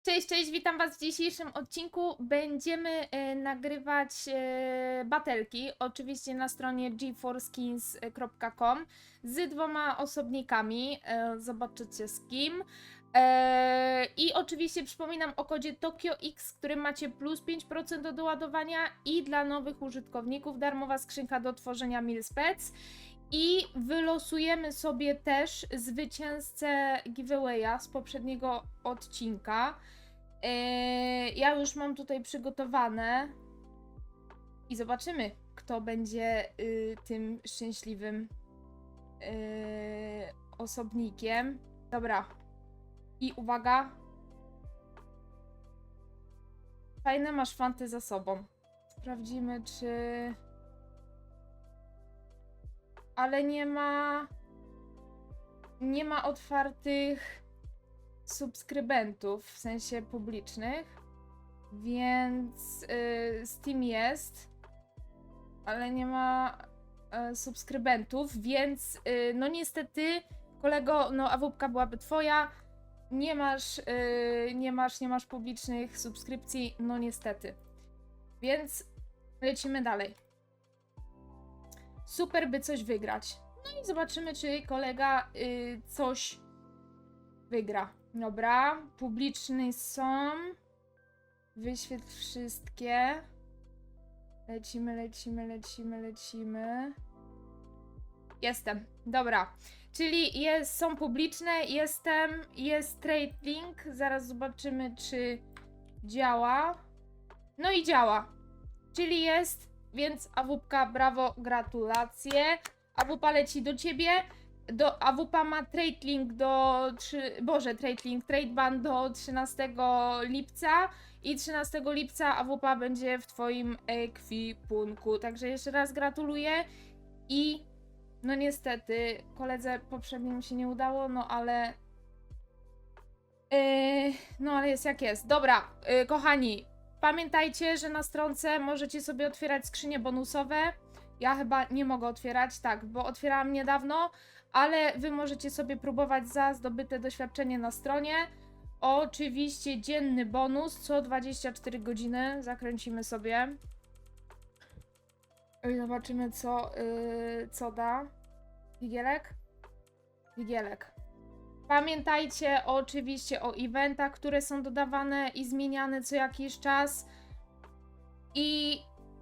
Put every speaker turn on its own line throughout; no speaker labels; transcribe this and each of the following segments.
Cześć, cześć, witam was w dzisiejszym odcinku. Będziemy nagrywać batelki, oczywiście na stronie geforskins.com z 2 osobnikami, zobaczycie z kim. I oczywiście przypominam o kodzie TokioX, w którym macie plus 5% do doładowania i dla nowych użytkowników darmowa skrzynka do tworzenia Milspec. I wylosujemy sobie też zwycięzcę giveawaya z poprzedniego odcinka. Ja już mam tutaj przygotowane i zobaczymy, kto będzie tym szczęśliwym osobnikiem. Dobra. I uwaga. Fajne masz fanty za sobą. Sprawdzimy, czy... Ale nie ma otwartych subskrybentów, w sensie publicznych, więc Steam jest, ale nie ma subskrybentów, więc no niestety, kolego, no AWP byłaby twoja, nie masz publicznych subskrypcji, no niestety, więc lecimy dalej. Super, by coś wygrać. No i zobaczymy, czy kolega coś wygra. Dobra, publiczne są. Wyświetl wszystkie. Lecimy. Jestem. Dobra. Czyli są publiczne, jest trade link. Zaraz zobaczymy, czy działa. No i działa. Czyli jest, więc AWP, brawo, gratulacje. AWP leci do ciebie. AWP ma trade link trade ban do 13 lipca i 13 lipca AWP będzie w twoim ekwipunku. Także jeszcze raz gratuluję i no niestety koledze poprzednim się nie udało, no ale jest jak jest. Dobra, kochani, pamiętajcie, że na stronce możecie sobie otwierać skrzynie bonusowe. Ja chyba nie mogę otwierać, tak, bo otwierałam niedawno, ale wy możecie sobie próbować za zdobyte doświadczenie na stronie. Oczywiście dzienny bonus co 24 godziny. Zakręcimy sobie. I zobaczymy, co da. Wigielek? Wigielek. Pamiętajcie oczywiście o eventach, które są dodawane i zmieniane co jakiś czas. I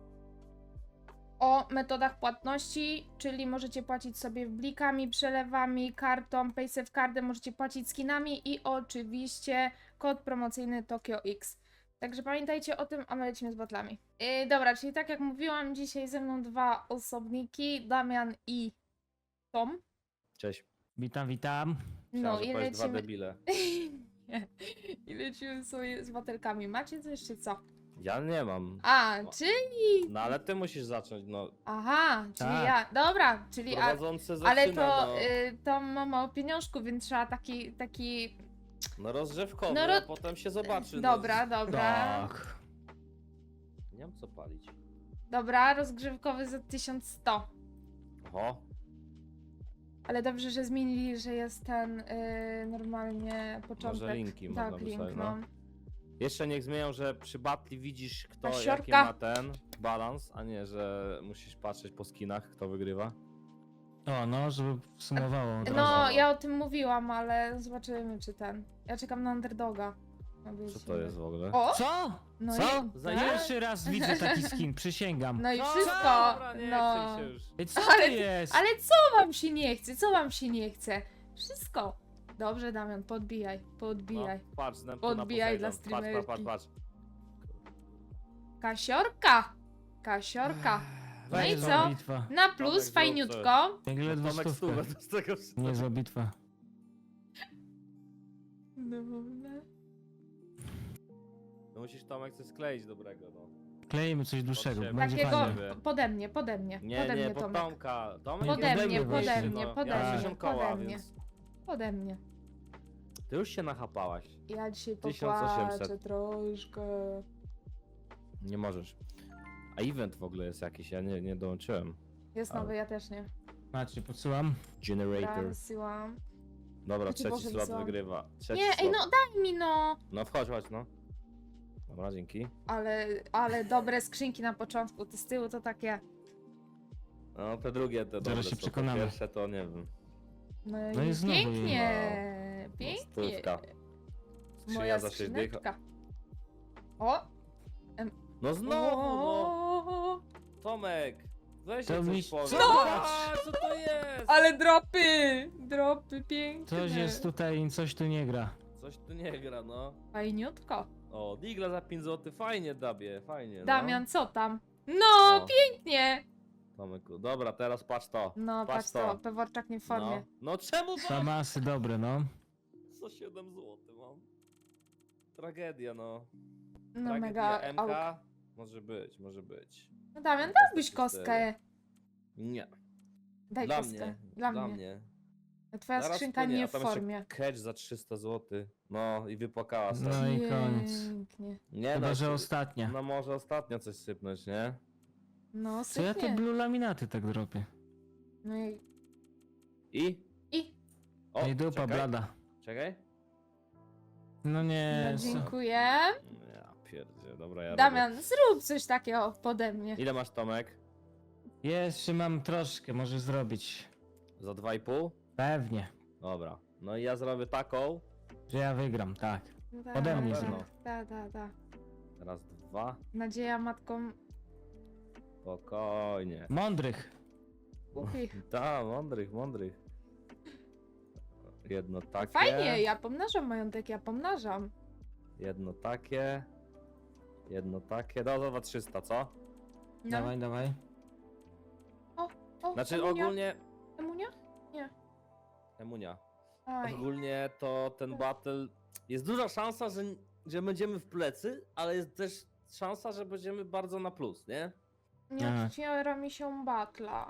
o metodach płatności, czyli możecie płacić sobie blikami, przelewami, kartą, PaySafeCardem, możecie płacić skinami i oczywiście kod promocyjny TokioX. Także pamiętajcie o tym, a my lecimy z batlami. Dobra, czyli tak jak mówiłam, dzisiaj ze mną 2 osobniki, Damian i Tom.
Cześć.
Witam.
No
Chciałem,
i
że powiesz dwa
lecimy...
debile.
Nie. I lecimy sobie z batelkami. Macie coś czy co?
Ja nie mam.
A,
No.
czyli...
No ale ty musisz zacząć, no.
Aha, czyli
Tak.
ja... Dobra, czyli...
Prowadzący zaczyna,
Ale to
no.
Tom ma mało pieniążków, więc trzeba taki...
No rozgrzewkowy,
No
a potem się zobaczy.
Dobra,
No.
dobra.
Tak.
Nie mam co palić.
Dobra, rozgrzewkowy za 1100.
Oho.
Ale dobrze, że zmienili, że jest ten normalnie początek.
Może linki
tak,
można
link,
wysłać,
no.
Jeszcze niech zmienią, że przy batli widzisz kto jaki
siorka.
ma ten balans, a nie, że musisz patrzeć po skinach, kto wygrywa.
O, no, żeby sumowało od razu.
No, ja o tym mówiłam, ale zobaczymy, czy ten... Ja czekam na underdoga.
Co to jest w ogóle?
O!
Co?
No
Co?
i...
Za
tak?
Pierwszy raz widzę taki skin, przysięgam.
No i
No,
wszystko!
dobra, nie
no.
chcę się już.
Ej, co
Ale-
to jest?
Ale co wam się nie chce? Co wam się nie chce? Wszystko. Dobrze, Damian, podbijaj. Podbijaj.
No, patrz, na
Podbijaj dla
Poseidon.
streamerki.
Patrz.
Kasiorka! Kasiorka. No i
Niezła
co?
bitwa.
Na plus,
Tomek, zrób
fajniutko.
Jak ledwo
Tomek
stówkę.
stówę z tego wszystkiego.
Niezła bitwa.
No musisz Tomek coś skleić dobrego, no.
Kleimy coś dłuższego,
siebie.
będzie
Takiego
fajnie.
fajnie.
pode mnie.
Nie,
pode mnie,
pod
Tomek.
Tomka. Tomek
Pode
jest
mnie,
dobry
pode
właśnie,
mnie,
no.
pode
Ja mam
mnie,
60 koła,
pode mnie.
więc
Pode mnie.
ty już się nachapałaś.
Ja dzisiaj
1800.
popłaczę troszkę.
Nie możesz. A event w ogóle jest jakiś, ja nie dołączyłem.
Jest
Ale-
nowy, ja też nie.
Macie, podsyłam.
Generator.
Wysyłam.
Dobra,
Jaki
trzeci
Boże
slot
wzor.
wygrywa. Trzeci
Nie, ej,
slot.
no daj mi no!
No wchodź, chodź, no. Dobra, dzięki.
Ale dobre skrzynki na początku, te z tyłu to takie...
No te drugie to dobre
się
są, te
przekonamy.
pierwsze to nie wiem.
No,
No
i
i znowu
pięknie!
No,
Pięknie!
stówka. Skrzynia
Moja
za 6 dych.
skrzyneczka. O!
No znowu, no!
O!
Tomek! Weź
To
coś
mi-
powiedz.
No!
Zobacz, co to jest?
Ale dropy! Dropy piękne!
Coś jest tutaj, coś tu nie gra.
Coś tu nie gra, no.
Fajniutko.
O, digla za 5 zł, fajnie Dabie, fajnie,
Damian, co tam? No,
O.
pięknie!
Tomyku. Dobra, teraz patrz to.
No,
Patrz
patrz to, Peworczak nie w formie.
No czemu to?
Famasy dobre, no.
Co 7 zł mam? Tragedia, no.
No,
Tragedia
mega
MK.
auk.
Może być, może być.
No, Damian, dałbyś kostkę.
Nie.
Daj
Dla
kostkę.
mnie.
Dla mnie. Twoja
Zaraz
skrzynka
wpłynie,
nie
a
w
tam jeszcze
formie.
Catch za 300 zł. No i wypłakała sobie.
No i koniec.
Pięknie.
Nie
Chyba, że
się-
ostatnia.
No może ostatnio coś sypnąć, nie?
No,
Co ja te
sypnie.
blue laminaty tak dropię?
No i...
I?
I?
O,
Ej, dupa
czekaj.
blada.
Czekaj.
No nie.
No,
co?
dziękuję.
Ja pierdzie, dobra, ja robię.
Damian, zrób coś takiego pode mnie.
Ile masz, Tomek?
Jeszcze mam troszkę, możesz zrobić.
Za 2,5?
Pewnie,
Dobra. No i ja zrobię taką.
że ja wygram, tak.
Da,
Pode mnie
da,
zrób.
da.
Teraz 2.
Nadzieja matką
Spokojnie.
Mądrych.
głupich.
Tak, mądrych, mądrych. Jedno takie.
Fajnie, ja pomnażam majątek, ja pomnażam.
Jedno takie. Jedno takie. No, za 300, co?
No.
Dawaj, dawaj.
O,
Znaczy
Emunia?
ogólnie...
Emunia?
Emunia.
Aj.
Ogólnie to ten battle... Jest duża szansa, że będziemy w plecy, ale jest też szansa, że będziemy bardzo na plus, nie?
Nie
Aha.
otwiera mi się batla.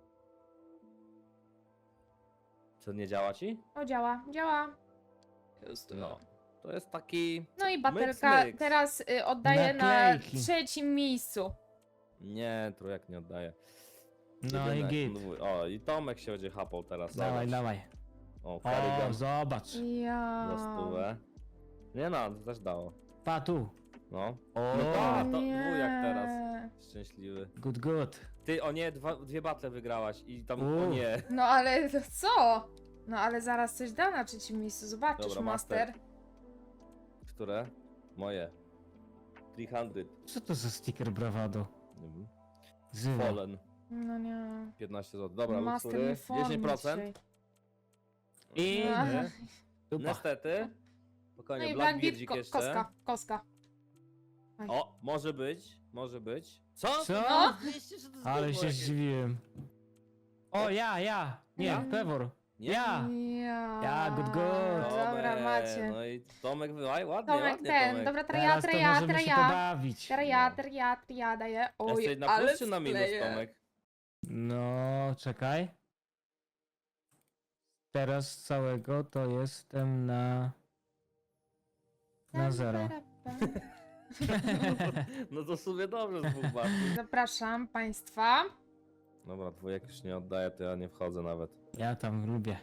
Co, nie działa ci?
O, działa, działa.
No. To jest taki...
No i batelka
myks.
teraz oddaję na
Naklejki.
3. miejscu.
Nie, trójek nie oddaje.
No i
Jedynek,
git.
O, i Tomek się będzie hapał teraz.
Dawaj,
zobacz.
dawaj.
O,
O,
Karigan
zobacz.
Ja.
za stówę. Nie no, to też dało.
Pa tu.
No.
O,
No tak.
O
to
nie.
dwójak teraz. Szczęśliwy.
good, good.
Ty, o nie, dwie battle wygrałaś i tam, o
U.
nie.
No ale co? No ale zaraz coś da na 3. miejscu, zobaczysz,
Dobra,
master.
Które? Moje. 300.
Co to za sticker bravado?
Nie wiem.
Zywa.
Fallen.
No nie.
15 zł. Dobra,
Master
luksury.
nie w formie
10%.
dzisiaj.
I
No.
Nie.
dupa.
Niestety.
No
Spokojnie,
i
Blackbeardzik
Blackbeard,
jeszcze.
koska.
O, może być, może być. Co?
Co?
No.
Myślisz, że to jest
Ale
gówno
się
jakieś?
zdziwiłem. O, ja. Nie,
Ja.
Pewor.
Nie?
Ja. Ja, good, good.
Dobra,
Tomek,
macie.
No i Tomek, ładnie,
Tomek
ładnie,
ten,
Tomek.
dobra,
Teraz to możemy się pobawić.
ja daję. Oj,
Jesteś na
ale
plus czy na minus,
skleję.
Tomek?
No, czekaj. Teraz z całego to jestem na 0.
No to w sumie dobrze z dwóch batów.
Zapraszam państwa.
Dobra, dwójek już nie oddaję, to ja nie wchodzę nawet.
Ja tam lubię.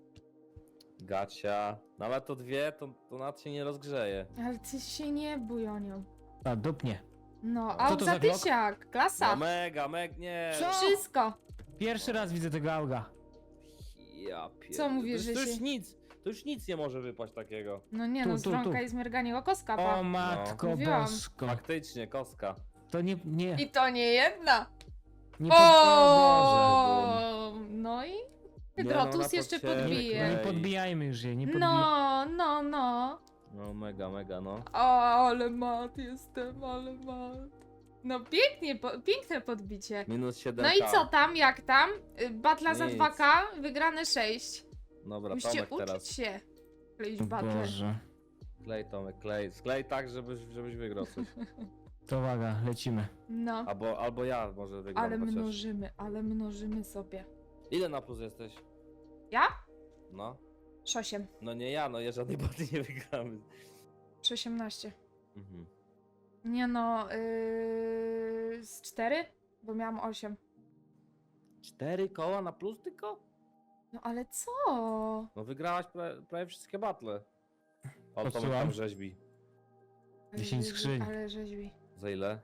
Gacia. No ale to dwie, to nad się nie rozgrzeje.
Ale ty się nie bój o nią.
A, dupnie.
No,
Co
aut
to
za
za Glock?
tysiak,
No
klasa.
mega, nie.
Co?
Wszystko.
Pierwszy raz widzę tego auga.
Ja pierdolę.
Co mówisz,
to,
że
to już
się-
nic, to już nic nie może wypaść takiego.
No nie
Tu,
no,
tu,
z rąka
tu.
i zmerganiego koska,
O
pa.
matko
Mówiłam.
bosko.
Faktycznie, kostka.
To nie
I to nie jedna.
o Boże.
O, no i
Nie, no,
Hydrotus
na
jeszcze
potrzeby.
podbije.
Nie podbijajmy już jej, nie podbijajmy.
No.
No mega, no.
O, ale mat jestem, ale mat. No pięknie, piękne podbicie.
Minus 7k.
No i co tam, jak tam? Batla za
Nic.
2K, wygrane 6.
Dobra,
Musicie
Tomek
uczyć
teraz.
się kleić
O
battle.
Boże.
Klej, Tomek, klej. Sklej tak, żebyś wygrał coś.
To uwaga, lecimy.
No,
Albo ja może wygram.
ale
chociaż.
mnożymy sobie.
Ile na plus jesteś?
Ja?
No.
8.
No nie ja, no ja żadnej baty nie wygramy.
18.
Mhm.
Nie no, z 4? Bo miałam 8.
4 koła na plus tylko?
No ale co?
No wygrałaś prawie wszystkie battle. O, Tomek
Popsułam.
tam rzeźbi.
10 skrzyń.
Ale rzeźbi.
Za ile?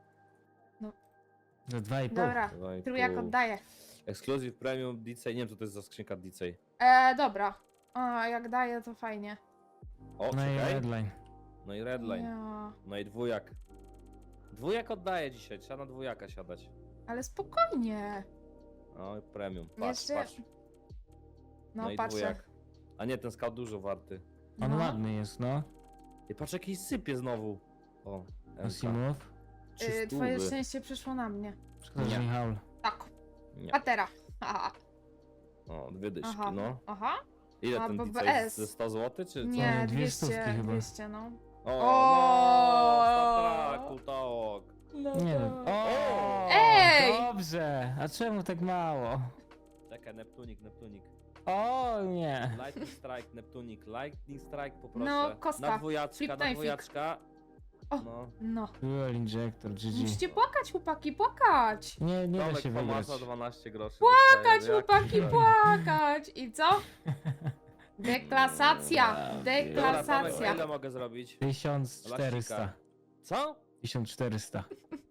Za 2,5.
Dobra,
2,5.
trójak oddaję.
Exclusive Premium DJ. Nie wiem co to jest za skrzynka DJ.
Dobra. A jak daję, to fajnie.
O,
No i
czekaj.
redline.
No i Redline.
Ja.
No i dwójak. Dwójak oddaję dzisiaj, trzeba na dwójaka siadać.
Ale spokojnie.
No i premium. Patrz,
Jeszcze...
patrz.
No,
i
patrzę.
dwójak. A nie, ten scout dużo warty.
On
No.
ładny jest, no.
I patrz jakiś sypie znowu. O, MK.
Asimov.
Twoje szczęście przyszło na mnie.
Szkoda, że nie haul.
Tak.
Nie.
Patera. Aha.
O, dwie dyszki,
Aha.
no.
Aha.
Ile
A,
ten DJ?
BBS.
Ze 100 zł czy co?
Nie,
Dwie
200,
stówki chyba.
200, no.
O,
O!
no, Star Trek, Kultaok.
No
Nie
to...
wiem. O,
Ej!
dobrze. A czemu tak mało?
Czekaj, Neptunik.
O nie.
Lightning Strike, Neptunik. Lightning Strike poproszę.
No, kostka.
Na dwójaczka,
Flip
na
knife'ik.
dwójaczka.
O.
No.
No.
Fuel injector, GG.
Musicie płakać, chłopaki, płakać.
Nie da
Tomek
się wygrać.
Tomasa 12 groszy.
Płakać,
dostaje.
chłopaki,
Jaki-
płakać. I co? Deklasacja.
Dobra,
Dobra, Tomek,
Deklasacja.
ile mogę zrobić?
1400.
Lasika. Co?
1400.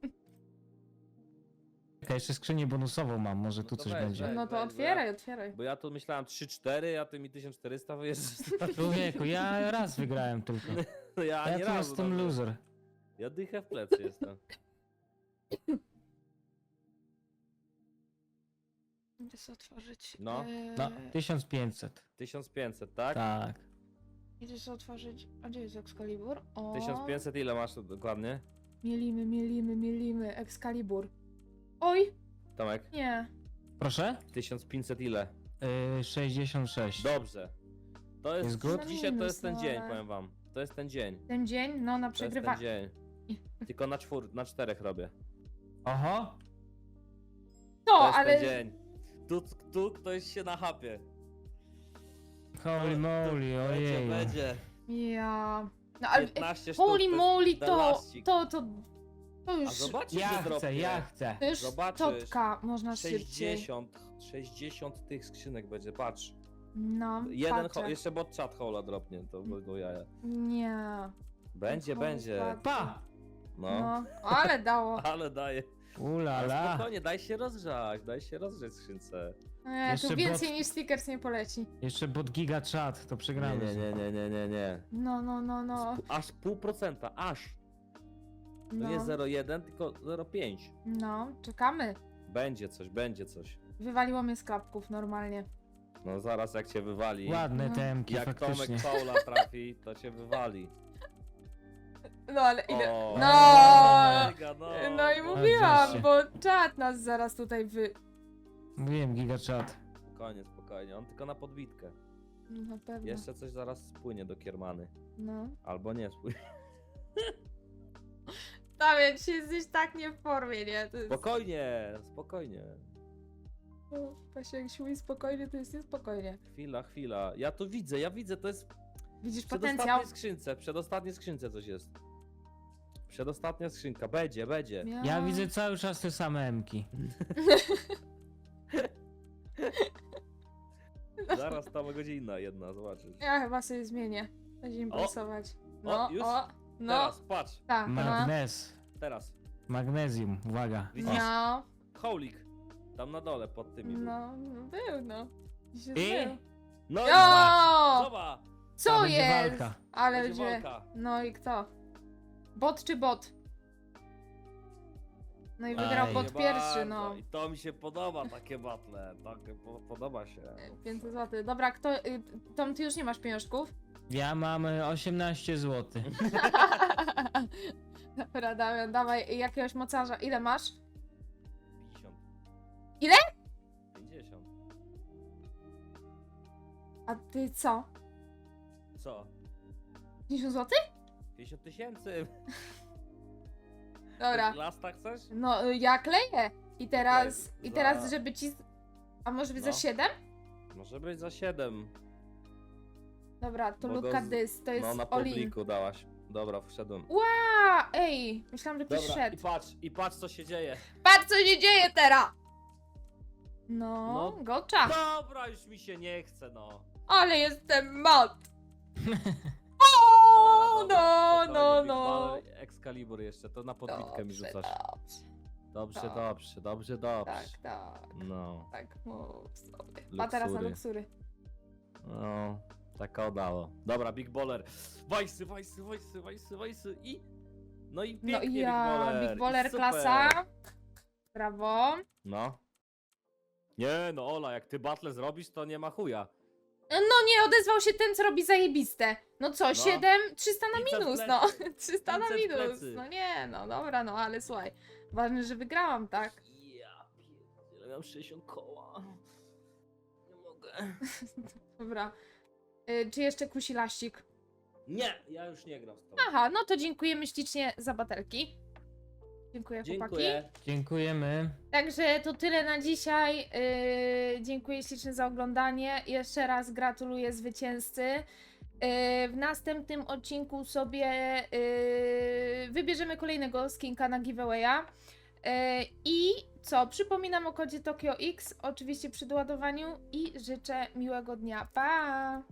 Czekaj, jeszcze skrzynię bonusową mam, może tu
No to
coś
weź,
będzie.
weź.
No to otwieraj, otwieraj.
Bo ja tu myślałem 3-4, a ty mi 1400 wyjeżdżasz.
Człowieku, ja raz wygrałem tylko.
Ja
Ja
nie
tu
razu
jestem
nawet.
loser.
Ja dychę w plecy jestem.
Idę sobie otworzyć.
No.
No, 1500.
1500, tak?
Tak.
Idę sobie otworzyć. A gdzie jest Excalibur? O.
1500 ile masz dokładnie?
Mielimy. Excalibur. Oj,
Tomek?
nie.
Proszę?
1500 ile?
66.
Dobrze. To jest,
Jest good?
dzisiaj to
Minus,
jest ten
no,
dzień,
ale-
powiem wam. To jest ten dzień.
Ten dzień, no na
To jest ten
przegrywa.
dzień. Tylko na 4 robię.
Oho!
No,
To jest
ale.
ten dzień. Tu ktoś się nachapie.
Holy moly, ojej.
Będzie.
Ja. No ale.
15 sztuk.
Holy
to jest
moly, to
elastik.
to
A
już.
zobaczysz,
Ja
że
chcę,
dropnie.
ja chcę.
To już
zobaczysz.
totka, można szybciej.
60 tych skrzynek będzie, patrz.
No,
Jeden,
patrzę.
jeszcze bot chat hola dropnie, to będą jaja.
Nie.
Będzie,
Holy
będzie.
fuck.
Pa!
No.
No, ale dało.
Ale daje. Ale
Ulala.
spokojnie, daj się rozgrzać skrzynce.
Nie,
Jeszcze
tu więcej
bot-
niż stickers nie poleci.
Jeszcze bot giga chat, to
Nie,
przegramy.
nie.
No.
Aż 0,5%, aż. To
No,
nie 0,1, tylko 0,5.
no, czekamy.
Będzie coś.
Wywaliło mnie z klapków normalnie.
No zaraz jak cię wywali.
Ładne
No.
temki,
Jak
faktycznie.
Tomek Paula trafi, to cię wywali.
No ale ile.
O,
No!
mega,
No i
no.
mówiłam,
wreszcie.
bo czat nas zaraz tutaj
Mówiłem giga chat.
Spokojnie, on tylko na podbitkę.
Na pewno.
Jeszcze coś zaraz spłynie do Kiermany.
No.
Albo nie spłynie.
Damian, dzisiaj jesteś tak nie w formie, nie? To jest...
Spokojnie.
O, Właśnie jak się mówi spokojnie, to jest niespokojnie.
Chwila. Ja widzę, to jest
Widzisz
w
potencjał?
przedostatniej skrzynce coś jest. Przedostatnia skrzynka, będzie.
Ja widzę cały czas te same emki.
Zaraz tam godzina jedna, zobaczysz.
Ja chyba sobie zmienię. Będzie impresować. No,
już?
no.
Teraz, patrz,
Tak, no.
Magnez.
teraz.
Magnezjum, uwaga.
Widzisz?
No,
Holik. Tam na dole, pod tymi. był.
był, no. Dzisiaj
I?
był.
No i
Jo!
zobacz!
Co
To będzie
jest?
walka.
Ale
Będzie
gdzie?
walka.
No i kto? Bot czy bot? No i wygrał
Aj.
bot
Nie
pierwszy,
bardzo.
no.
I to mi się podoba, takie battle. Podoba się.
500 zł. Dobra, kto. Tom, ty już nie masz pieniążków?
Ja mam 18 zł.
Dobra, Damian, dawaj jakiegoś mocarza. Ile masz?
50.
Ile?
50.
A ty co?
Co?
50 zł?
50 tysięcy.
Dobra.
Lasta chcesz?
No, ja kleję. I teraz,
Klej.
i teraz,
Za-
żeby ci. A może być
No.
za 7?
Może być za 7.
Dobra, to
Bo
look
go
at
z-
this, to jest
No na
all in.
publiku dałaś. Dobra, wszedłem.
A, ej, myślałam, że ktoś
Dobra,
szedł.
i patrz co się dzieje.
Patrz, co się dzieje teraz! No,
No.
gocza.
Dobra, już mi się nie chce, no.
Ale jestem mat.
Dobra,
no,
spokojnie,
no,
Big
no.
Baller, Excalibur jeszcze, to na podbitkę mi rzucasz. Dobrze,
tak.
dobrze, dobrze, dobrze.
Tak, tak,
No,
tak, mów sobie. A teraz na
Luksury.
luksury.
no, tak udało. Dobra, Big Baller. Wajsy, wajsy, wajsy, wajsy, wajsy i... No i pięknie,
No i ja,
Big
Big
Baller,
Baller
i super.
klasa. Brawo.
No. Nie, no Ola, jak ty battle zrobisz, to nie ma chuja.
No nie, odezwał się ten, co robi zajebiste. No co, 7, 300 na
500 w
minus,
plecy.
no. 300 na
500 w
minus.
plecy.
No nie, no dobra, no ale słuchaj. Ważne, że wygrałam, tak?
Ja pierdzielę, mam 60 koła. Nie mogę.
Dobra. Czy jeszcze kusi laścik?
Nie, ja już nie gram z tobą.
Aha, no to dziękujemy ślicznie za batelki. Dziękuję, chłopaki.
Dziękuję.
Dziękujemy.
Także to tyle na dzisiaj. Dziękuję ślicznie za oglądanie. Jeszcze raz gratuluję zwycięzcy. W następnym odcinku sobie wybierzemy kolejnego skinka na giveawaya. I co? Przypominam o kodzie Tokio X, oczywiście przy doładowaniu i życzę miłego dnia. Pa!